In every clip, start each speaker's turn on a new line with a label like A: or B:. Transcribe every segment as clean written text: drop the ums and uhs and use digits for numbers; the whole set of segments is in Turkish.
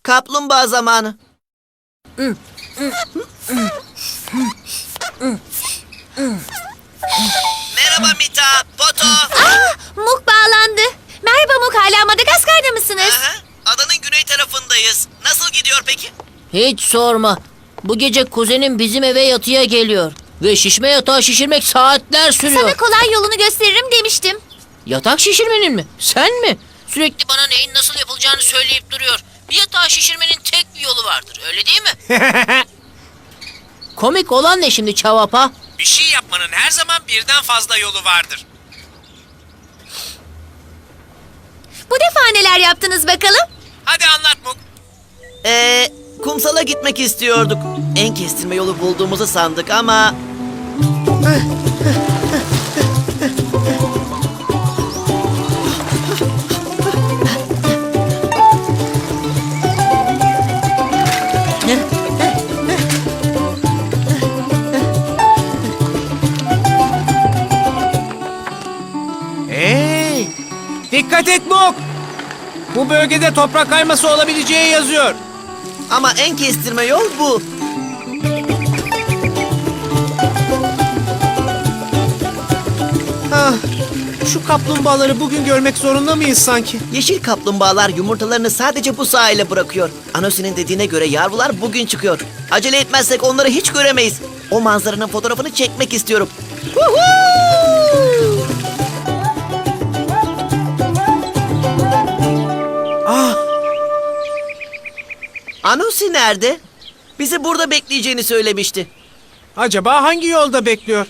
A: Kaplumbağa zamanı. Merhaba Mita, Poto.
B: Muk bağlandı. Merhaba Muk, hala Madagaskar'da mısınız?
A: Aha, adanın güney tarafındayız. Nasıl gidiyor peki?
C: Hiç sorma. Bu gece kuzenim bizim eve yatıya geliyor. Ve şişme yatağı şişirmek saatler sürüyor.
B: Sana kolay yolunu gösteririm demiştim.
C: Yatak şişirmenin mi? Sen mi? Sürekli bana neyin nasıl yapılacağını söyleyip duruyor. Bir yatağı şişirmenin tek bir yolu vardır. Öyle değil mi? Komik olan ne şimdi Çavapa?
D: Bir şey yapmanın her zaman birden fazla yolu vardır.
B: Bu defa neler yaptınız bakalım?
D: Hadi anlat Muk.
A: Kumsala gitmek istiyorduk. En kestirme yolu bulduğumuzu sandık ama...
D: Hey! Dikkat et Muk! Bu bölgede toprak kayması olabileceği yazıyor.
A: Ama en kestirme yol bu.
D: Ah, şu kaplumbağaları bugün görmek zorunda mıyız sanki?
A: Yeşil kaplumbağalar yumurtalarını sadece bu sahile bırakıyor. Anosi'nin dediğine göre yavrular bugün çıkıyor. Acele etmezsek onları hiç göremeyiz. O manzaranın fotoğrafını çekmek istiyorum.
D: Ah,
A: Anosi nerede? Bizi burada bekleyeceğini söylemişti.
D: acaba hangi yolda bekliyor?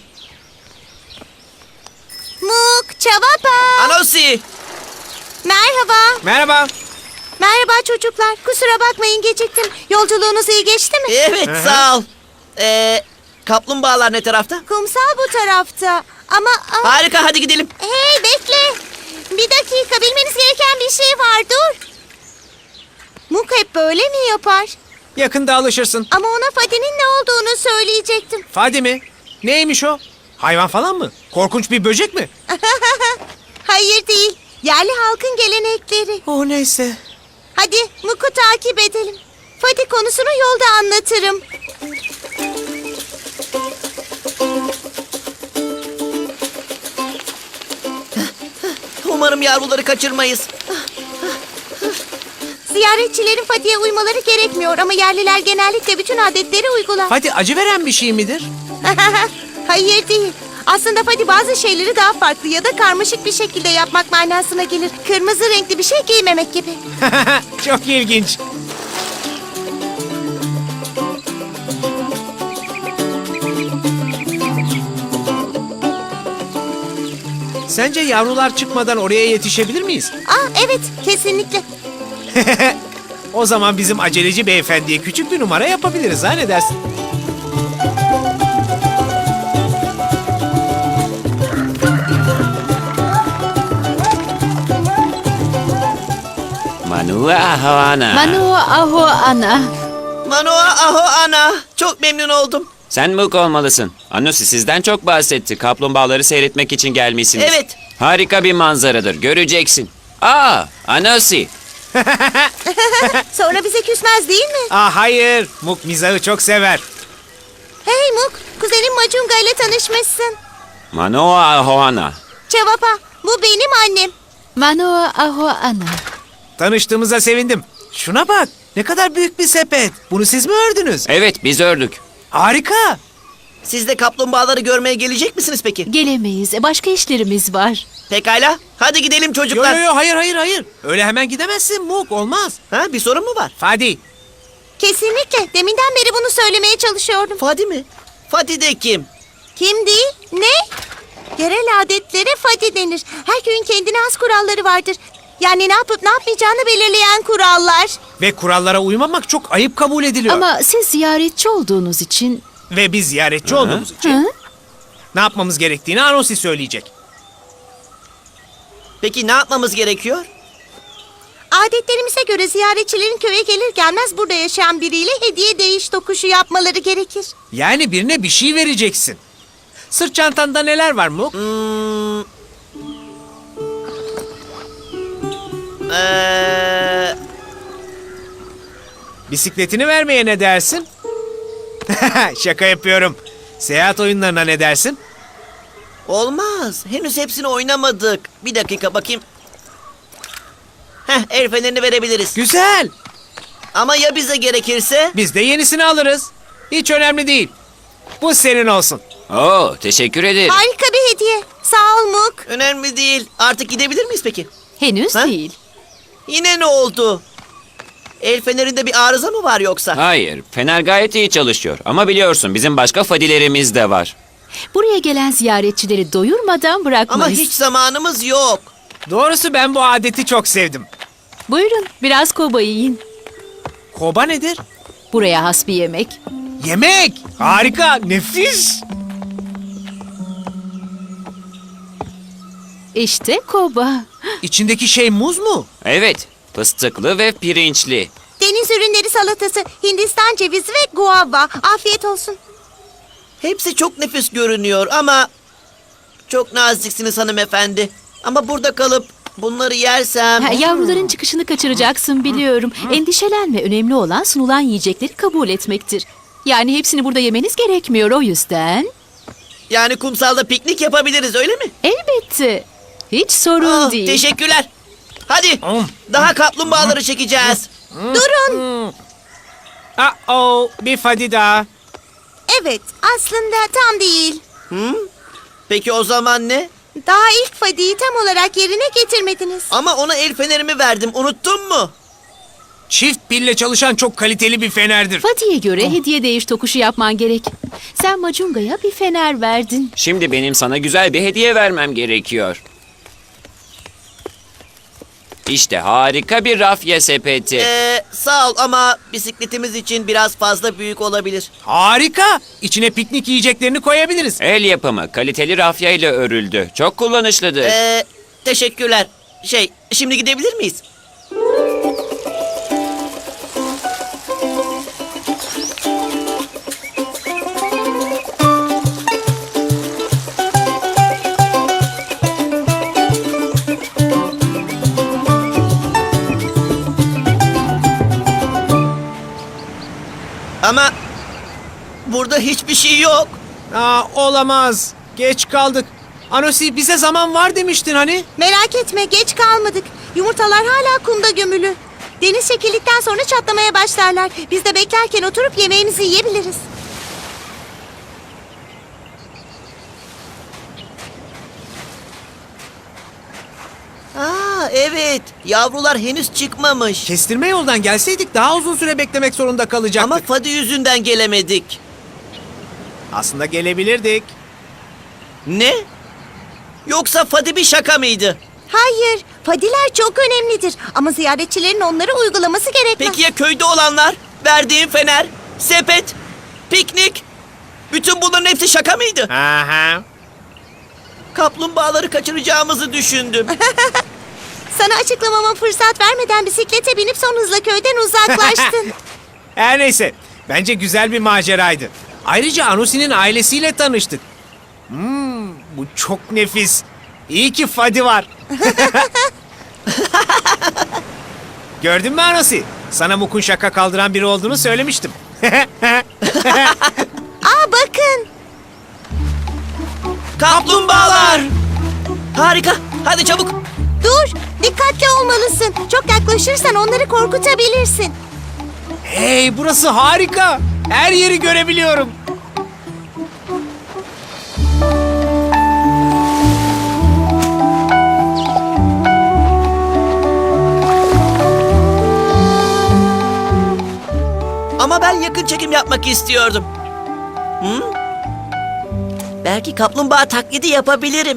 B: Muk, Çavapa.
A: Anosi!
B: Merhaba.
D: Merhaba.
B: Merhaba çocuklar. Kusura bakmayın geciktim. Yolculuğunuz iyi geçti mi?
A: Evet, sağ ol. Kaplumbağalar ne tarafta?
B: Kumsal bu tarafta. Ama...
A: Harika, hadi gidelim.
B: Hey bekle. Bir dakika, bilmeniz gereken bir şey var, dur. Muk hep böyle mi yapar?
D: Yakında alışırsın.
B: Ama ona Fadi'nin ne olduğunu söyleyecektim.
D: Fadi mi? Neymiş o? Hayvan falan mı? Korkunç bir böcek mi?
B: Hayır değil. Yerli halkın gelenekleri.
D: O neyse.
B: Hadi Muk'u takip edelim. Fadi konusunu yolda anlatırım.
A: Umarım yavruları kaçırmayız.
B: Ziyaretçilerin Fadi'ye uymaları gerekmiyor ama yerliler genellikle bütün adetleri uygular.
D: Fadi acı veren bir şey midir?
B: Hayır değil. Aslında Fadi bazı şeyleri daha farklı ya da karmaşık bir şekilde yapmak manasına gelir. Kırmızı renkli bir şey giymemek gibi.
D: Çok ilginç. Sence yavrular çıkmadan oraya yetişebilir miyiz?
B: Evet, kesinlikle.
D: O zaman bizim aceleci beyefendiye küçük bir numara yapabiliriz, ha ne dersin?
E: Manua Ahoana.
F: Manua aho ana.
A: Manoa aho ana. Çok memnun oldum.
E: Sen Muk olmalısın. Anosi sizden çok bahsetti. Kaplumbağaları seyretmek için gelmişsiniz.
A: Evet.
E: Harika bir manzaradır. Göreceksin. Aa, Anosi.
B: Sonra bize küsmez değil mi?
D: Hayır. Muk mizahı çok sever.
B: Hey Muk, kuzenim Macunga ile tanışmışsın.
E: Manua Ahoana.
B: Cevapa, bu benim annem.
F: Manua aho ana.
D: Tanıştığımıza sevindim. Şuna bak. Ne kadar büyük bir sepet. Bunu siz mi ördünüz?
E: Evet, biz ördük.
D: Harika.
A: Siz de kaplumbağaları görmeye gelecek misiniz peki?
F: Gelemeyiz. Başka işlerimiz var.
A: Pekala. Hadi gidelim
D: Yo
A: çocuklar.
D: yo yo hayır. Öyle hemen gidemezsin Muk, olmaz.
A: Ha, bir sorun mu var?
D: Fadi.
B: Kesinlikle. Deminden beri bunu söylemeye çalışıyordum.
A: Fadi mi? Fadi de kim?
B: Kim değil? Ne? Yerel adetlere Fadi denir. Her köyün kendine has kuralları vardır. Yani ne yapıp ne yapmayacağını belirleyen kurallar.
D: Ve kurallara uymamak çok ayıp kabul ediliyor.
F: Ama siz ziyaretçi olduğunuz için...
D: Ve biz ziyaretçi olduğumuz için
F: Hı?
D: ne yapmamız gerektiğini Anosi söyleyecek.
A: Peki ne yapmamız gerekiyor?
B: Adetlerimize göre ziyaretçilerin köye gelir gelmez burada yaşayan biriyle hediye değiş tokuşu yapmaları gerekir.
D: Yani birine bir şey vereceksin. Sırt çantanda neler var Muk? Bisikletini vermeye ne dersin? Şaka yapıyorum. Seyahat oyunlarına ne dersin?
A: Olmaz. Henüz hepsini oynamadık. Bir dakika bakayım. El fenerini verebiliriz.
D: Güzel.
A: Ama ya bize gerekirse?
D: Biz de yenisini alırız. Hiç önemli değil. Bu senin olsun.
E: Oo, teşekkür ederim.
B: Harika bir hediye. Sağ ol Muk.
A: Önemli değil. Artık gidebilir miyiz peki?
F: Henüz
A: Ha?
F: değil.
A: Yine ne oldu? El fenerinde bir arıza mı var yoksa?
E: Hayır, fener gayet iyi çalışıyor. Ama biliyorsun bizim başka fadilerimiz de var.
F: Buraya gelen ziyaretçileri doyurmadan
A: Ama
F: bırakmayız.
A: hiç zamanımız yok.
D: Doğrusu ben bu adeti çok sevdim.
F: Buyurun biraz koba yiyin.
D: Koba nedir?
F: Buraya has bir yemek.
D: Yemek. Harika, nefis.
F: İşte koba.
D: İçindeki şey muz mu?
E: Evet, fıstıklı ve pirinçli.
B: Deniz ürünleri salatası, Hindistan cevizi ve guava. Afiyet olsun.
A: Hepsi çok nefis görünüyor ama... Çok naziksiniz hanımefendi. Ama burada kalıp bunları yersem...
F: Yavruların çıkışını kaçıracaksın biliyorum. Endişelenme. Önemli olan sunulan yiyecekleri kabul etmektir. Yani hepsini burada yemeniz gerekmiyor o yüzden.
A: Yani kumsalda piknik yapabiliriz öyle mi?
F: Elbette. Hiç sorun değil.
A: Teşekkürler. Hadi daha kaplumbağaları çekeceğiz.
B: Durun.
D: Bir fadi daha.
B: Evet, aslında tam değil.
A: Peki o zaman ne?
B: Daha ilk fadiyi tam olarak yerine getirmediniz.
A: Ama ona el fenerimi verdim. Unuttun mu?
D: Çift pille çalışan çok kaliteli bir fenerdir.
F: Fadi'ye göre hediye değiş tokuşu yapman gerek. Sen Macunga'ya bir fener verdin.
E: Şimdi benim sana güzel bir hediye vermem gerekiyor. İşte harika bir rafya sepeti.
A: Sağ ol ama bisikletimiz için biraz fazla büyük olabilir.
D: Harika. İçine piknik yiyeceklerini koyabiliriz.
E: El yapımı, kaliteli rafya ile örüldü. Çok kullanışlıdır.
A: Teşekkürler. Şimdi gidebilir miyiz? Ama burada hiçbir şey yok.
D: Olamaz. Geç kaldık. Anosi bize zaman var demiştin hani.
B: Merak etme, geç kalmadık. Yumurtalar hala kumda gömülü. Deniz çekildikten sonra çatlamaya başlarlar. Biz de beklerken oturup yemeğimizi yiyebiliriz.
A: Evet. Yavrular henüz çıkmamış.
D: Kestirme yoldan gelseydik daha uzun süre beklemek zorunda kalacaktık.
A: Ama Fadi yüzünden gelemedik.
D: Aslında gelebilirdik.
A: Ne? Yoksa Fadi bir şaka mıydı?
B: Hayır, fadiler çok önemlidir. Ama ziyaretçilerin onları uygulaması gerekmez.
A: Peki ya köyde olanlar? Verdiğim fener, sepet, piknik. Bütün bunların hepsi şaka mıydı?
D: Aha.
A: Kaplumbağaları kaçıracağımızı düşündüm.
B: Sana açıklamama fırsat vermeden bisiklete binip son hızla köyden uzaklaştın.
D: Her neyse. Bence güzel bir maceraydı. Ayrıca Anosi'nin ailesiyle tanıştık. Bu çok nefis. İyi ki Fadi var. Gördün mü Anosi? Sana Muk'un şaka kaldıran biri olduğunu söylemiştim.
B: Bakın.
A: Kaplumbağalar! Harika. Hadi çabuk.
B: Dur, dikkatli olmalısın. Çok yaklaşırsan onları korkutabilirsin.
D: Hey, burası harika. Her yeri görebiliyorum.
A: Ama ben yakın çekim yapmak istiyordum. Belki kaplumbağa taklidi yapabilirim.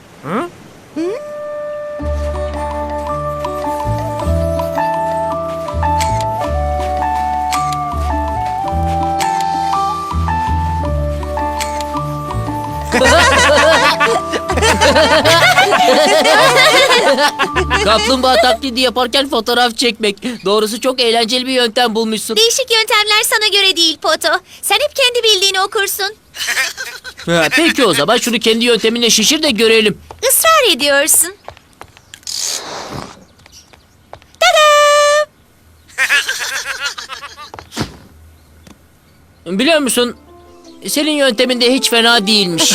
C: Kaplumbağa taklidi yaparken fotoğraf çekmek. Doğrusu çok eğlenceli bir yöntem bulmuşsun.
B: Değişik yöntemler sana göre değil Poto. Sen hep kendi bildiğini okursun.
C: Peki o zaman şunu kendi yönteminle şişir de görelim.
B: Israr ediyorsun. Tada!
C: Biliyor musun? Senin yöntemin de hiç fena değilmiş.